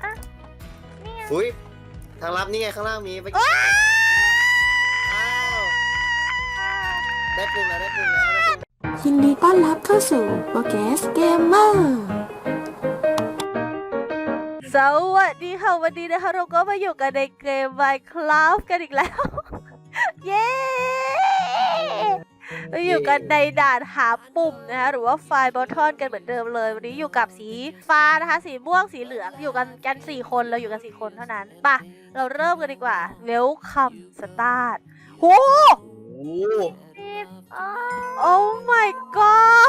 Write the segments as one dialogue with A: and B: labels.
A: นี่ไง
B: อุ้ยทางลับนี่ไงข้างล่างมีไปอ้าวได้ปุ่มแล้วได้ปุ่มแล้วได้ปุ่ม
C: ยินดีต้อนรับเข้าสู่โปรแกสเกมเมอร์
D: สวัสดีค่ะวันนี้นะคะเราก็มาอยู่กันในเกม Minecraft กันอีกแล้ว เย้มาอยู่กันในด่านหาปุ่มนะคะหรือว่าไฟล์บอททอนกันเหมือนเดิมเลยวันนี้อยู่กับสีฟ้านะคะสีม่วงสีเหลืองอยู่กัน4 คนเราอยู่กัน4 คนเท่านั้นป่ะเราเริ่มกันดีกว่า Welcome Start โห โอ้ my god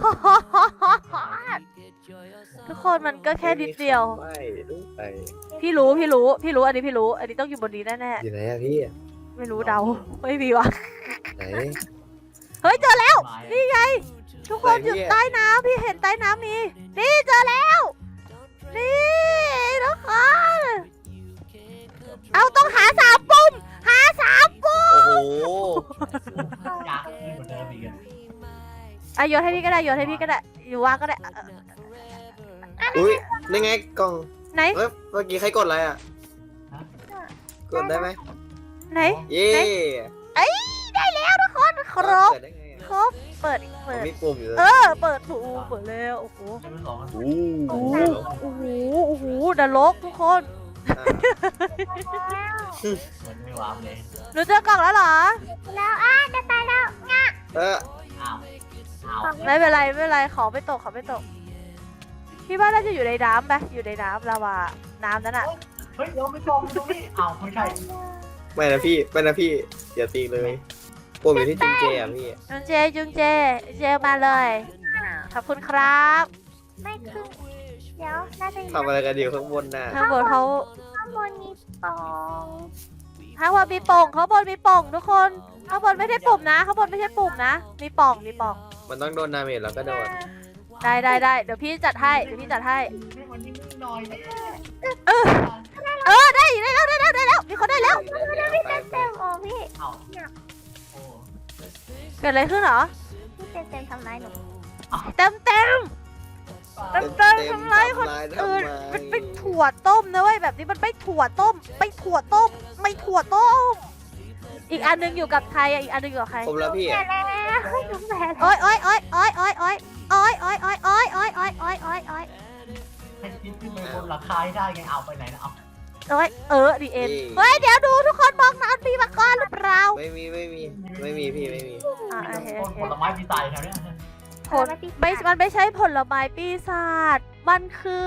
D: ทุกคนมันก็แค่นิดเดียว
B: ไม่รู้ไป
D: พี่รู้อันนี้พี่รู้อันนี้ต้องอยู่บนนี้แน่
B: อยู่ไหนอะพี่
D: ๆไม่รู้เดาไม่มีวะ
B: ไหน
D: เฮ้ยเจอแล้วนี่ไงทุกคนอยู่ใต้น้ำพี่เห็นใต้น้ำมีนี่เจอแล้วนี่ทุกคนเอาต้องหา3 ปุ่มหา3 ปุ่ม
B: โอ้โห
E: ยากขึ้นกว่าเดิมอีกอะ
D: อ่ะโยนให้พี่ก็ได้อยู่ว่างก็ได้
B: อุ้ยนี่ไงกล่อง
D: ไหน
B: เฮ้ยเมื่อกี้ใครกดอะไรอะกดได้ไหม
D: ไหน
B: เย้
D: ได้แล้วทุกคนครบ
B: เปิดได้ไงอะ
D: ครบเปิด
B: มีปุ่มอยู่เลย
D: เปิดถูเปิดแล้วโอ้โห
E: ใช้เป็นสอง
B: โอ้
D: โอ้
B: โห
D: โหนรกทุกคน
E: เหมือนไม่วาร์ปเลย
D: หนูเจอกล่องแล้วเหรอ
A: แล้วจะตายแล้ว
B: เออ
E: อ้าวอ้าว
D: ไม่เป็นไรขอไม่ตกพี่ว่าน่าจะอยู่ในน้ำไหมอยู่ในน้ำลาวาน้ำนั้นอ่ะ
E: เฮ้ยเดี๋ยวไม่ตรงตรงนี้อ้าวไม่ใช่
B: ไม่นะพี่อย่าตีเลยปุ่มอยู่ที่จุงเจอะพี่
D: จุงเจมาเลยขอบคุณครับ
A: ไม่ขึ้นเดี๋ยวน่าจะ
B: ทำอะไรกันอยู่ข้างบนน่ะ
D: ข้างบนเขา
A: ข้างบนมีปอง
D: ข้างบนมีป่องทุกคนข้างบนไม่ใช่ปุ่มนะข้างบนไม่ใช่ปุ่มนะมีป่อง
B: มันต้องโดนดาเมจแล้วก็โดน
D: ได้เดี๋ยวพี่จัดให้
E: ให้มันนิ่งๆหน่อยนะ
D: ได้แล้วมีคนได้แล้ว
A: เต็มโอ้พี่
E: อ้าวโอ้
D: เกิดอะไรขึ้นเหรอ
A: พี่เต็มทำร้ายหนู
D: เต็มทำไรคนอื่นมันเป็นถั่วต้มนะเว้ยแบบนี้มันไม่ถั่วต้มอีกอันนึงอยู่กับใครอีกอันนึงอยู่กับใคร
B: ครบแล้วพี่
A: แย่
B: อะ
A: แล้วหนูแพ้แล้ว
D: โอ้ย
E: ให้คิดขึ้นไปบนหลังคาให้ได้ไงเอาไปไหนนะเอา
D: ดีเอ็นเฮ้ยเดี๋ยวดูทุกคนมองน้ำมีมาก่อนหรือเปล่า
B: ไม่มีพี่ไม่มี
E: ต้นผลไม้ปีศาจแถวเนี้ย
D: มันไม่ใช่ผลไม้ปีศาจมัน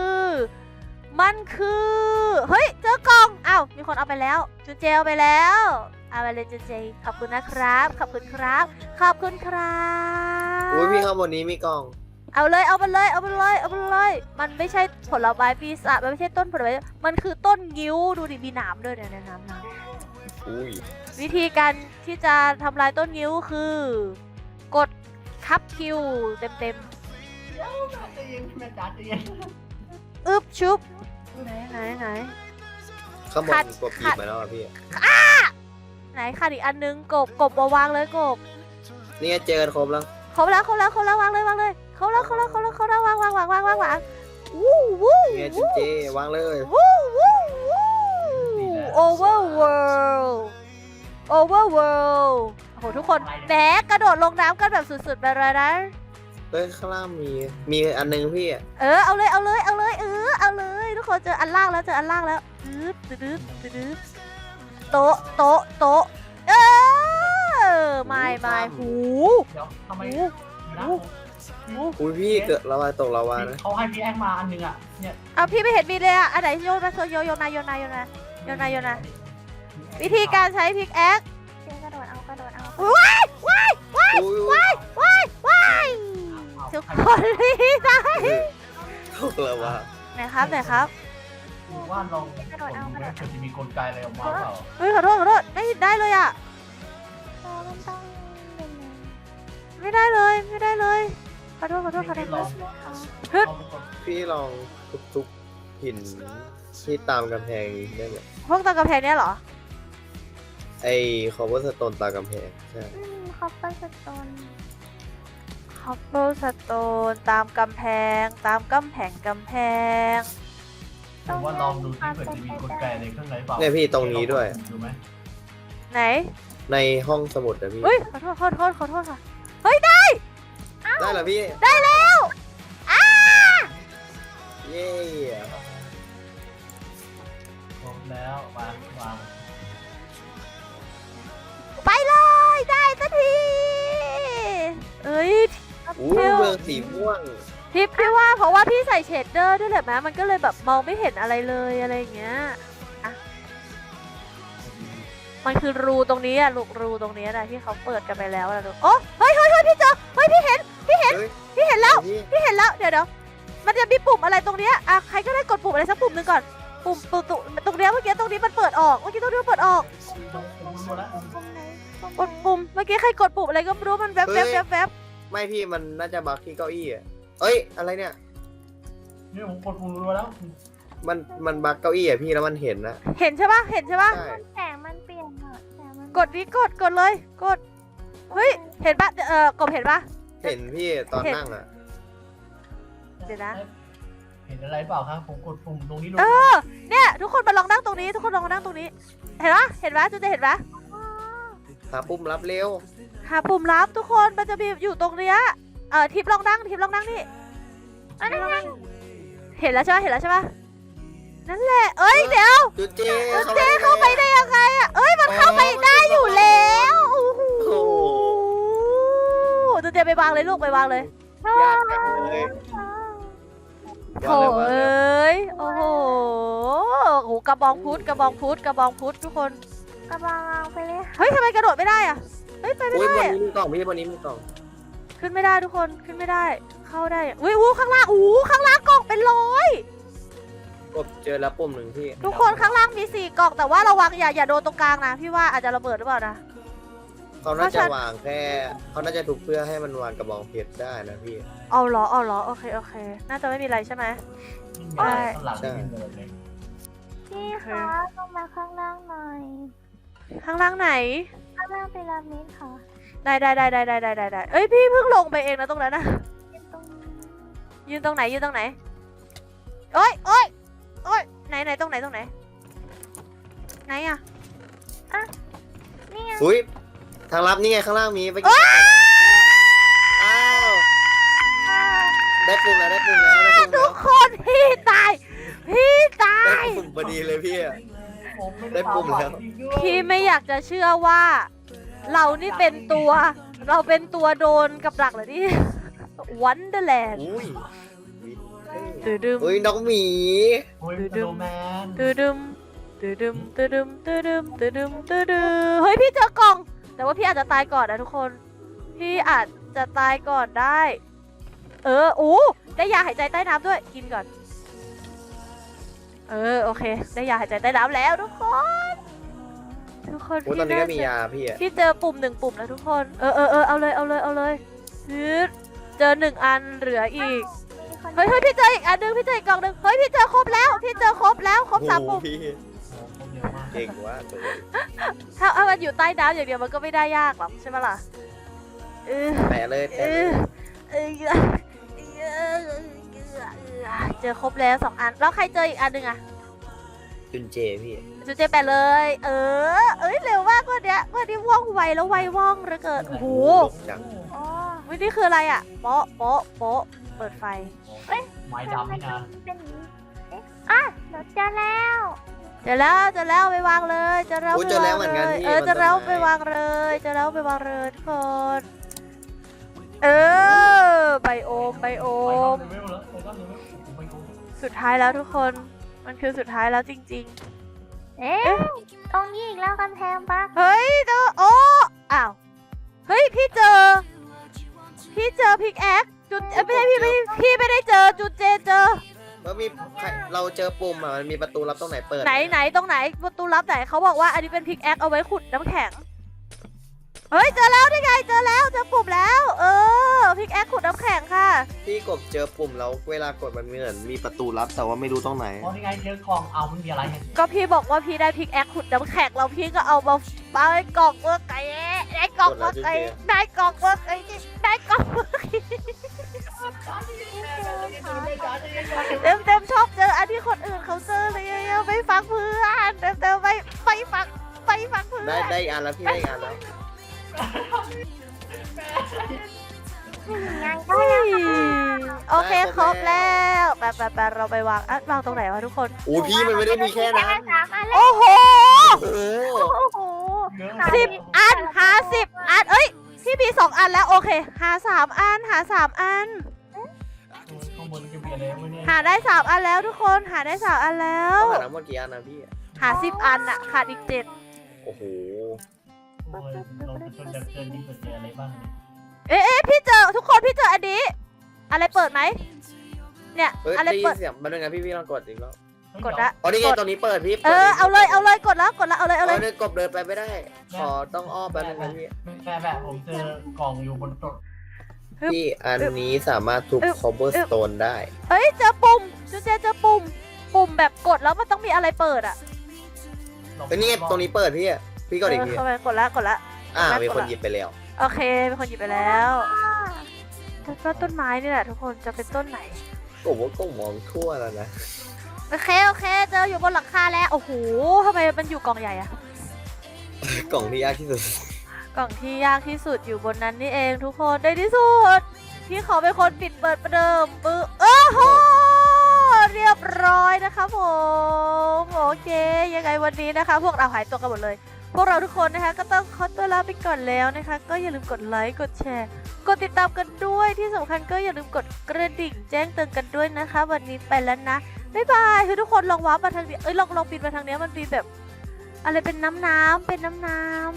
D: คือเฮ้ยเจอกล่องอ้าวมีคนเอาไปแล้วจุนเจเอาไปแล้วเอาไปเลยจุนเจขอบคุณนะครับขอบคุณครับ
B: อุ้ยพี่ข้างบนนี้มีกล่อง
D: เอาเลยมันไม่ใช่ผลไม้ปีศาจมันไม่ใช่ต้นผลไม้มันคือต้นงิ้วดูดิมีหนามด้วยเนี่ยน้ำ
B: อุ้ย
D: วิธีการที่จะทำลายต้นงิ้วคือกดคับคิวเต็ม
E: จะยิงแม่จ๋าจะยิง
D: อึบชุบไหน
B: ข้างบน
D: ขัด
B: กดปีบมาแล้วอะพี่
D: ไหนค่ะอีกอันนึงกบวางเลยกบ
B: นี่ไงเจอกันครบแล้ว
D: ครบแล้ววางเลยเขาแล้ววางวู้
B: นี่ไงจุงเจวางเลย
D: Overworld โอ้โหทุกคนแหนกระโดดลงน้ำกันแบบสุดๆไปเลยนะ
B: เฮ้ยข้างล่างมีอันนึงพี่อะ
D: เอาเลยทุกคนเจออันล่างแล้วโต๊ะไม่หู
E: เดี๋ยวทำไมนะ
B: อุ้ยพี่เกิดระวาตกระวานะ
E: เขาให้พี่แองมาอันนึงอ่ะเนี่ย
D: เอาพี่ไม่เห็นมีเลยอ่ะอันไหนโยนมาโยนมาวิธีการใช้พิกแอค
A: เจอกระโดดเอา
B: อุ้ย
D: ทุกคนรีบได้
B: ตกระวา
D: ไหนครับ
E: ว่าลองกดดูนะเผื่อจะมีกลไกอะไรออกมาเปล่า
D: เฮ้ยขอโทษไม่ได้เลยอ่ะ
A: มันต้องเป็น
D: ไม่ได้เลยขอโทษ
E: ลอง
B: พี่ลองทุบหินที่ตามกำแพงได้ไหม
D: พวกตากำแพงเนี้ยเหรอ
B: ไอ้คอเวอร์สโตนตามกำแพงใช่
A: คอปเปอร์สโตน
D: คัพเปิลสโตนตามกำแพง
A: ตรง
E: ว่าลองดูที่เผื่อจะมีกลไกอะไรข้างในเปล่า
B: เนี่ยพี่ตรงนี้ด้วย
E: ดูไหม
D: ไหน
B: ในห้องสมุดอะพี่
D: อุ้ยขอโทษค่ะเฮ้ยได้
B: ได้เหรอพี่
D: ได้แล้วอ้า
B: เย้
E: ครบแล้ววาง
D: ไปเลยได้สักทีเอ้ย
B: อู้เมืองสีม่วง
D: ทิปพี่ว่าเพราะว่าพี่ใส่เชดเดอร์ด้วยแหละแม้มันก็เลยแบบมองไม่เห็นอะไรเลยอะไรอย่างเงี้ยอะมันคือรูตรงนี้อะลูกรูตรงนี้นะที่เขาเปิดกันไปแล้วนะลูกโอ้เฮ้ยพี่เจอเฮ้ยพี่เห็น
B: เฮ้ย
D: พี่เห็นแล้ว
B: พี่
D: พี่เห็นแล้วเดี๋ยวมันจะมีปุ่มอะไรตรงเนี้ยอะใครก็ได้กดปุ่มอะไรสักปุ่มหนึ่งก่อนปุ่มตรงเนี้ยเมื่อกี้ตรงนี้มันเปิดออกเมื่อกี้ตรงนี้มันเปิดออก
E: หมดแล้ว
A: ตรงไหน
D: กดปุ่มเมื่อกี้ใครกดปุ่มอะไรก็ไม่รู้มันแวบ
B: ไม่พี่มันน่าจะบักที่เก้าอี้อะเอ้ยอะไรเนี่ย
E: นี่ผมกดปุ่มรัวแล้ว
B: มันบักเก้าอี้อะพี่แล้วมันเห็นนะ
D: เห็นใช่ปะ
B: ใช่
A: แสงมันเปลี่ยนอะแสงมัน
D: กดนี้กดเลยกดเฮ้ยเห็นปะกบเห็นปะ
B: เห็นพี่ตอนนั่งอะ
D: เดี๋ยวนะ
E: เห็นอะไรเปล่าครับผมกดปุ่มตรงนี้ดู
D: เนี่ยทุกคนมาลองนั่งตรงนี้ทุกคนลองมานั่งตรงนี้เห็นปะจุ๊จะเห็นปะ
B: หาปุ่มรับเร็ว
D: หาปุ่มลับทุกคนมันจะมีอยู่ตรงเนี้ยทิปลองนั่งนี่ทิปลองนั่งเห็นแล้วใช่ปะนั่นแหละเอ้ยเดี๋ยว
B: จุดเจ
D: เจ๊เข้าไปได้ยังไงอะเอ้ยมันเข้าไปได้อยู่แล้วโอ้โห
B: โอ้โห
D: จุ๊เจไปวางเลยลูกไปวางเลย
B: ยากจังเลย
D: โถเอ้ยโอ้โหโอ้โหกระบองพุทธทุกคน
A: กระบองไปเลย
D: เฮ้ยทำไมกระโดดไม่ได้อะเฮ้ยไปไม่
B: อุ้ย
D: ได้
B: บน
D: อะ
B: นี้มีกล่องพี่บนนี้มีกล่อง
D: ขึ้นไม่ได้ทุกคนขึ้นไม่ได้เข้าได้อะอุ้ยข้างล่างข้างล่างกล่องเป็นร้อย
B: กบเจอแล้วปุ่มหนึ่งพี่
D: ทุกคนข้างล่างมี4กล่องแต่ว่าระวังอย่าโดนตรงกลางนะพี่ว่าอาจจะระเบิดหรือเปล่านะ
B: เขาน่าจะวางแค่เขาน่าจะถูกเพื่อให้มันวางกระบองเพชรได้นะพี่
D: เอาเหรอโอเคน่าจะไม่มีอะไรใช่ไหม
E: ไม่มีอะไรข้างหลังไม่มีเลย
A: พี่คะลงมาข้างล่างหน่อย
D: ข้างล่างไหน
A: ข้างล่างพีระมิดค่ะ
D: ได้เอ้ยพี่เพิ่งลงไปเองนะตรงนั้นนะ
A: เป็นตรงนี้
D: ยืนตรงไหนโอ้ยไหนตรงไหนไหนอะ
A: นี่ไง
B: อุ้ยทางลับนี่ไงข้างล่างมีไปกินอ้าวได้ปุ่มแล้ว
D: ทุกคนพี่ตาย
B: ได้ปุ่มพอดีเลยพี่ ได้ปุ่มแล้ว
D: พี่ไม่อยากจะเชื่อว่า เรานี่เป็นตัวโดนกับดักเหรอนี่วันเดอร์แลนด์
B: อุ้ย
D: ดืม
B: อุ้ยน้องหมี
E: โอ้ยโดแมน
D: ดืมเฮ้ยพี่เจอกล่อง แต่ว่าพี่อาจจะตายก่อนนะทุกคน พี่อาจจะตายก่อนได้ได้ยาหายใจใต้น้ำด้วยกินก่อนโอเคได้ยาหายใจใต้น้ำแล้วทุกคน
B: โอ้ตอนนี้ก็มียาพี่อะ
D: พี่เจอปุ่ม1ปุ่มแล้วทุกคนเอาเลยเจอ1อันเหลืออีก
A: มีคน
D: เฮ้ยพี่เจออีกอันนึงพี่เจออีกกล่องนึงเฮ้ยพี่เจอครบแล้วครบ3ปุ่ม
B: โอ้พี่
E: โอ้เร็วมาก
B: เก่งว่ะตัว
D: ถ้ามันอยู่ใต้น้ำอย่างเดียวมันก็ไม่ได้ยากหรอกใช่ไหมล่ะ
B: แปะเลย
D: เจอครบแล้ว2อันแล้วใครเจออีกอันนึงอะ
B: จุนเจพี่
D: จุดเจไปเลยเร็วมากวันนี้ว่องไวแล้วไวว่องเหลือเกินโอ้โห
B: จัง
A: อ๋อ
D: วันนี้คืออะไรอะโป๊ะเปิดไฟ
E: ไม้ดำนี่นะ
A: เป็นอย่างนี้เอ๊ะอ่ะเดี๋ยวเจอแล้ว
D: เจอแล้วไปวางเลยเจอแล้ว
B: เจอแล้วเหมือนกันพี่
D: เจอแล้วไปวางเลยทุกคนไบโอม
E: ไปเลเวลแล้วไปโกง
D: สุดท้ายแล้วทุกคนมันคือสุดท้ายแล้วจริง
A: เอ๊ะตรงนี้อีกแล้วกำแพงปะ
D: ๆเฮ้ยอ้าวเฮ้ยพี่เจอพิกแอคจุดไม่ใช่พี่ไม่ได้เจอจุดเจเจอ
B: แล้วมีเราเจอปุ่มอ่ะมันมีประตูลับตรงไหนเปิด
D: ไหนตรงไหนประตูลับไหนเขาบอกว่าอันนี้เป็นพิกแอคเอาไว้ขุดน้ำแข็งเฮ้ยเจอแล้วนี่ไงเจอปุ่มแล้วพิกแอคขุดน้ำแข็งค่ะ
B: พี่กบเจอปุ่มแล้วเวลากดมันเหมือนมีประตูลับแต่ว่าไม่รู้ตรงไหน
E: อ๋อนี่ไงเจอกล่องเอามันมีอะไรเนี่ย
D: ก็พี่บอกว่าพี่ได้พิกแอคขุดน้ำแข็งแล้วพี่ก็เอามาปาในกล่องเมื่อไก่ได้กล่องเมื่อไก่เต็มชอบเจออันที่คนอื่นเขาเจอเลยฟังเพื่อนเติมไปฟังเพื่อน
B: ได้อีกอันแล้วพี่ได้อีกอันแล้ว
A: งาน
D: เฮ้ยโอเคครบแล้วไปเราไปวางวางตรงไหนวะทุกคน
B: โอ้พี่มันไม่ได้มีแค่นั้น
A: 3 อันเลย
D: โอ้โห
B: โอ้โห
A: โอ้โห
D: 10 อันหา10 อันเอ้ยพี่มี2 อันแล้วโอเคหา3 อันหา3 อัน
E: ข้างบนจะมีอะไรวะเนี่ย
D: หาได้3 อันแล้วทุกคนหาได้3 อันแล้ว
B: ต้องหาทั้งหมดกี่อันนะพี่
D: หา10 อันอะขาดอีก7
B: โอ้โห
E: โอ้ยเราจะชนดับเกินนี่เกิดอะไรบ้างเนี่ย
D: เอ๊ะพี่เจอทุกคนพี่เจออันนี้อะไรเปิดไหมเนี่ย
B: เฮ้ย
D: อะไร
B: ได้ยิ
D: เปิ
B: น
D: ด
B: เสียงมันเป็นไงพี่ลองกดอีกรอบ
D: กดละ
B: อ๋อนี่ไงตรงนี้เปิดพี่
D: เอาเลยกดแล้วเอาเลย
B: เอาเลยกบเดินไปไม่ได้ขอต้องอ้อมแป๊บนึงนะพี่
E: แบบผมเจอกล่องอยู่บนโต๊ะ
B: พี่อันนี้สามารถทุบ cobblestone ได้
D: เอ้ยเจอปุ่มจุ๊เจเจอปุ่มแบบกดแล้วมันต้องมีอะไรเปิดอะ
B: เอ้ยนี่ไงตรงนี้เปิดพี่กดอีกที
D: เข้าไปกดละ
B: มีคนหยิบไปแล้ว
D: โอเคเป็นคนหยิบไปแล้วก็ต้นไม้นี่แหละทุกคนจะเป็นต้นไหน
B: ผมว่าก็มองทั่วแล้วนะ
D: โอเคเจออยู่บนหลังคาแล้วโอ้โหทำไมมันอยู่กล่องใหญ่อะ
B: กล่องที่ยากที่สุด
D: กล่องที่ยากที่สุดอยู่บนนั้นนี่เองทุกคนได้ที่สุดพี่ขอเป็นคนปิดเปิดประเดิมปื้อโอ้โหเรียบร้อยนะคะผมโอเคยังไงวันนี้นะคะ พวกเราหายตัวกันหมดเลย พวกเราทุกคนนะคะก็ต้องขอตัวลาไปก่อนแล้วนะคะ ก็อย่าลืมกดไลค์กดแชร์กดติดตามกันด้วยที่สำคัญก็อย่าลืมกดกระดิ่งแจ้งเตือนกันด้วยนะคะ วันนี้ไปแล้วนะบ๊ายบายคือทุกคนลองว้าร์ปมาทางนี้ลองปิดมาทางนี้มันมีแบบ อะไรเป็นน้ำเป็นน้ำ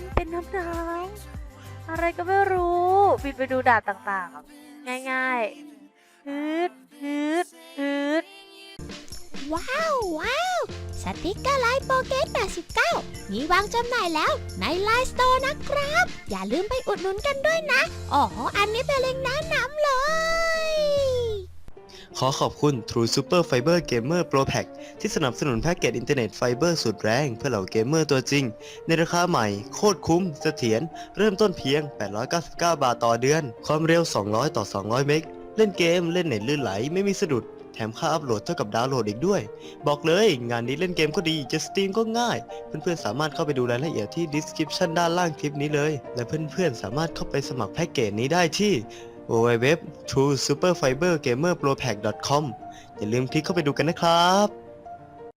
D: อะไรก็ไม่รู้บินไปดูด่านต่างๆง่ายๆฮึด
F: ว้าวสติกเกอร์ไลน์โปเกต89มีวางจำหน่ายแล้วในไลน์สโตร์นะครับ อย่าลืมไปอุดหนุนกันด้วยนะอ๋ออันนี้เป็นเล็งก์แนะนำเลย
G: ขอขอบคุณ True Super Fiber Gamer Pro Pack ที่สนับสนุนแพ็กเกจอินเทอร์เน็ตไฟเบอร์สุดแรงเพื่อเหล่าเกมเมอร์ตัวจริง ในราคาใหม่โคตรคุ้มเสถียรเริ่มต้นเพียง 899 บาทต่อเดือน ความเร็ว 200 ต่อ 200 เมกเล่นเกมเล่นเน็ตลื่นไหลไม่มีสะดุด แถมค่าอัพโหลดเท่ากับดาวน์โหลดอีกด้วย บอกเลยงานนี้เล่นเกมก็ดีจะสตรีมก็ง่าย เพื่อนๆสามารถเข้าไปดูรายละเอียดที่ description ด้านล่างคลิปนี้เลย และเพื่อนๆสามารถเข้าไปสมัครแพ็กเกจนี้ได้ที่ www.truesuperfibergamerpropack.com อย่าลืมคลิกเข้าไปดูกันนะครับ